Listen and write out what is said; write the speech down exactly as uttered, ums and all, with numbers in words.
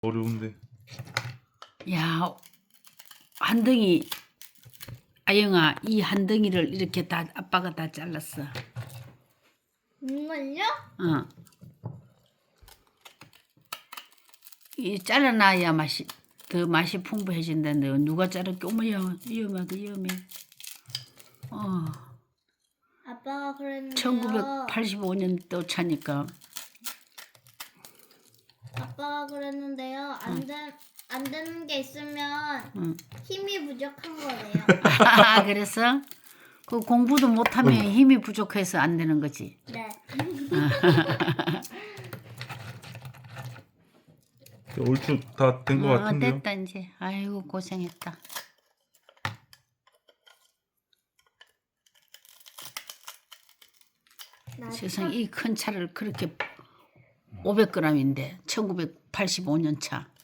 어려운데. 야, 한 덩이. 아영아, 이 한 덩이를 이렇게 다 아빠가 다 잘랐어. 정말요? 어. 이 잘라놔야 맛이 더 맛이 풍부해진다는데 누가 자를게? 어머야, 위험하다, 위험해. 어. 아빠가 그랬는데요. 천구백팔십오 년도 차니까. 아빠가 그랬는데요. 안, 되, 안 되는 게 있으면 응. 힘이 부족한 거래요. 아, 그래서 그 공부도 못하면 힘이 부족해서 안 되는 거지. 네. 얼추 다 된 것 어, 같은데요. 됐다 이제. 아이고 고생했다. 세상 이 큰 차를 그렇게 오백 그램인데 천구백팔십오 년 차.